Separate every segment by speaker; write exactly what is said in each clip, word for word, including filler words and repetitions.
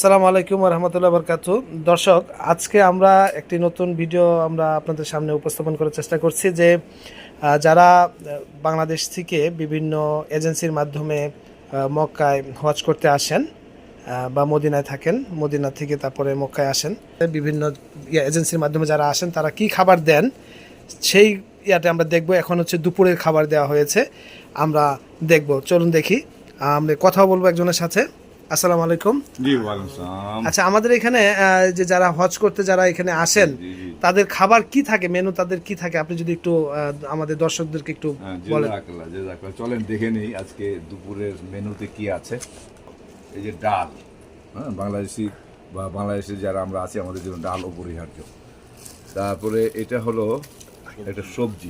Speaker 1: আসসালামু আলাইকুম ওয়া রাহমাতুল্লাহি ওয়া বারাকাতুহু। দর্শক, আজকে আমরা একটি নতুন ভিডিও আমরা আপনাদের সামনে উপস্থাপন করার চেষ্টা করছি যে আহ, যারা আহ, বাংলাদেশ থেকে বিভিন্ন এজেন্সির মাধ্যমে আহ, মক্কায় হজ করতে আসেন আহ, বা মদিনায় থাকেন, মদিনা থেকে তারপরে মক্কায় আসেন, বিভিন্ন ইয়ে এজেন্সির মাধ্যমে যারা আসেন তারা কি খাবার দেন সেই ইয়াতে আমরা দেখব। এখন হচ্ছে দুপুরের খাবার দেওয়া হয়েছে, আমরা দেখব। চলুন দেখি, আমরা কথা বলবো একজনের সাথে। আসসালামু আলাইকুম।
Speaker 2: জি ওয়ালাইকুম আসসালাম।
Speaker 1: আচ্ছা, আমাদের এখানে আহ, যে যারা হজ করতে যারা এখানে আসেন
Speaker 2: জি, জি।
Speaker 1: তাদের খাবার কি থাকে, মেনু তাদের কি থাকে, আপনি যদি একটু আহ, আমাদের দর্শকদেরকে একটু
Speaker 2: হ্যাঁ,
Speaker 1: বলেন।
Speaker 2: জেজাকাল্লাহ, জেজাকাল্লাহ। চলেন দেখে নেই আজকে দুপুরের মেনুতে কি আছে। এই যে ডাল, হ্যাঁ, বাংলাদেশি বা বাংলাদেশে যারা আমরা আছি আমাদের জন্য ডাল অপরিহার্য। তারপরে এটা হলো একটা সবজি,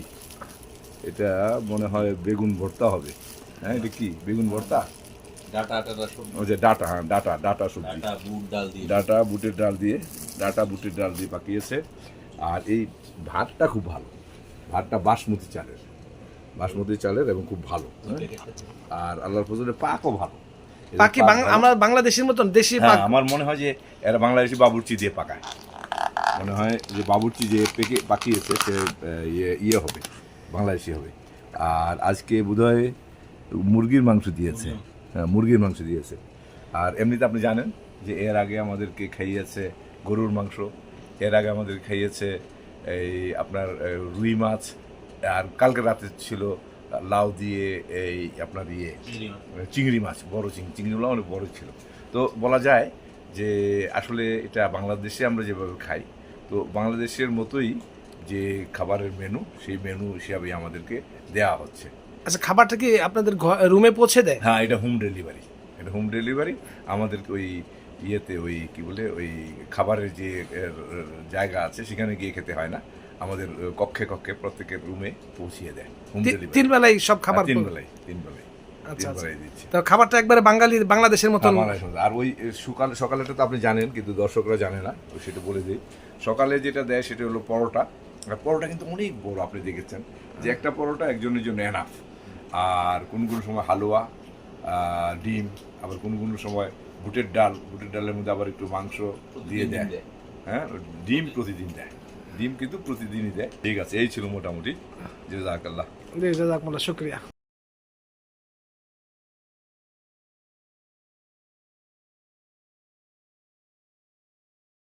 Speaker 2: এটা মনে হয় বেগুন ভর্তা হবে। হ্যাঁ, এটা কি বেগুন ভর্তা?
Speaker 3: ডাটা টাটা সবজি,
Speaker 2: ওই যে ডাটা, হ্যাঁ ডাটা, ডাটা সবজি,
Speaker 3: ডাটা বুট ডাল দিয়ে
Speaker 2: ডাটা বুটের ডাল দিয়ে, ডাটা বুটের ডাল দিয়ে পাকিয়েছে। আর এই ভাতটা খুব ভালো, ভাতটা বাসমতি চালের, বাসমতি চালের এবং খুব ভালো, হ্যাঁ? আর আল্লাহর ফজলে পাকও ভালো। এদের
Speaker 1: বাকি
Speaker 2: পাক
Speaker 1: বাং-
Speaker 2: ভালো।
Speaker 1: আমরা বাংলাদেশের মতন দেশি
Speaker 2: হ্যাঁ,
Speaker 1: পাক।
Speaker 2: আমার মনে হয় যে এরা বাংলাদেশি বাবুর্চি দিয়ে পাকায়, মনে হয় যে বাবুর্চি যে পেকে পাকিয়েছে সে আহ, ইয়ে ইয়ে হবে, বাংলাদেশি হবে। আর আজকে বোধহয় মুরগির মাংস দিয়েছে, হ্যাঁ মুরগির মাংস দিয়েছে। আর এমনিতে আপনি জানেন যে এর আগে আমাদেরকে খাইয়েছে গরুর মাংস, এর আগে আমাদের খাইয়েছে এই আপনার আহ, রুই মাছ, আর কালকে রাতে ছিল লাউ দিয়ে এই আপনার ইয়ে চিংড়ি মাছ, বড় চিংড়ি, চিংড়িগুলো অনেক বড় ছিল। তো বলা যায় যে আসলে এটা বাংলাদেশে আমরা যেভাবে খাই, তো বাংলাদেশের মতোই যে খাবারের মেনু, সেই মেনু হিসাবে আমাদেরকে দেওয়া হচ্ছে।
Speaker 1: আচ্ছা, খাবারটা কি আপনাদের রুমে পৌঁছে দেয়?
Speaker 2: হ্যাঁ, এটা হোম ডেলিভারি, এটা হোম ডেলিভারি। আমাদেরকে ওই ইয়েতে ওই কি বলে ওই খাবারের যে এর, জায়গা আছে সেখানে গিয়ে খেতে হয় না, আমাদের কক্ষে কক্ষে প্রত্যেকের রুমে পৌঁছিয়ে দেয় হোম
Speaker 1: তি-
Speaker 2: ডেলিভারি।
Speaker 1: তিন বেলায় সব খাবার
Speaker 2: তিন
Speaker 1: পৌ-
Speaker 2: বেলায়, তিন বেলায়,
Speaker 1: আচ্ছা,
Speaker 2: তিন
Speaker 1: আচ্ছা।
Speaker 2: বেলায় দিচ্ছে।
Speaker 1: তো খাবারটা একবারে বাঙালি বাংলাদেশের মতন।
Speaker 2: হ্যাঁ, বাংলাদেশের মধ্যে। আর ওই সকাল সকালেটা তো আপনি জানেন কিন্তু দর্শকরা জানে না, তো সেটা বলে দিই। সকালে যেটা দেয় সেটা হলো পরোটা। আর পরোটা কিন্তু অনেক বড়, আপনি দেখেছেন যে একটা পরোটা একজনের জন্য এনাফ। আর কোনো কোনো সময় হালুয়া, আহ, ডিম, আবার কোনো কোনো সময় বুটের ডাল, বুটের ডালের মধ্যে আবার একটু মাংস দিয়ে দেয়। হ্যাঁ, ডিম প্রতিদিন দেয়, ডিম কিন্তু প্রতিদিনই দেয়। ঠিক আছে, এই ছিল মোটামুটি। জাযাকাল্লাহ।
Speaker 1: জি, জাযাকুমুল্লাহ, শুকরিয়া।